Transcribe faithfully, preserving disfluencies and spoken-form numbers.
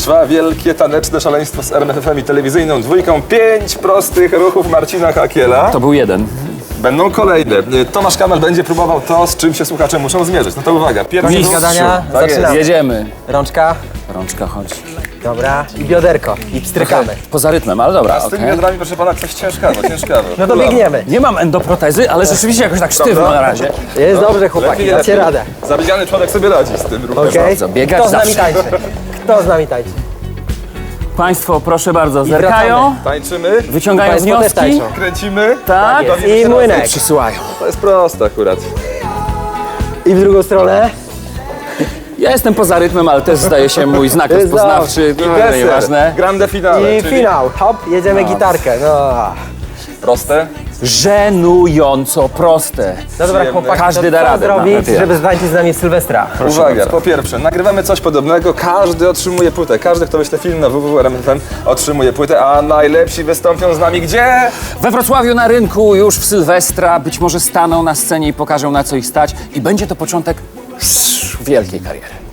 Trwa wielkie taneczne szaleństwo z R M F F em i telewizyjną dwójką. Pięć prostych ruchów Marcina Hakiela. To był jeden. Będą kolejne. Tomasz Kamel będzie próbował to, z czym się słuchacze muszą zmierzyć. No to uwaga. Pierwszy Koniec ruch. gadania, Tak jest. zaczynamy. Jedziemy. Rączka, Rączka chodź. dobra, i bioderko, i pstrykamy. Poza rytmem, ale dobra, Z tymi okej. biodrami, proszę pana, coś ciężkawo, ciężkawo. No to biegniemy. Nie mam endoprotezy, ale rzeczywiście jakoś tak sztywno na razie. Jest dobrze, chłopaki, Lepiej, dacie lepiej. radę. Zabiegany człowiek sobie radzi z tym ruchem. Okej? bardzo. Biegać Kto z nami zawsze. tańczy? Kto z nami tańczy? Państwo, proszę bardzo, wracamy. zerkają, Tańczymy, wyciągają Państwo też wnioski. tańczą. kręcimy. Tak, jest. bawimy I się młynek. razem. przysyłają. To jest proste akurat. I w drugą stronę. Ja jestem poza rytmem, ale też zdaje się mój znak Jest rozpoznawczy. No, Deser, nieważne. grande finale, I czyli finał. Hop, jedziemy gitarkę. No. proste. Żenująco proste. No dobra, Przyjemne. chłopaki, Każdy to da co radę, zrobić, nawet ja. żeby ztańczyć z nami Sylwestra? Uwaga, bardzo. po pierwsze, nagrywamy coś podobnego, każdy otrzymuje płytę. Każdy, kto wyśle film na w w w kropka r m f m otrzymuje płytę, a najlepsi wystąpią z nami gdzie? We Wrocławiu na rynku już w Sylwestra być może staną na scenie i pokażą, na co ich stać, i będzie to początek wielkiej kariery.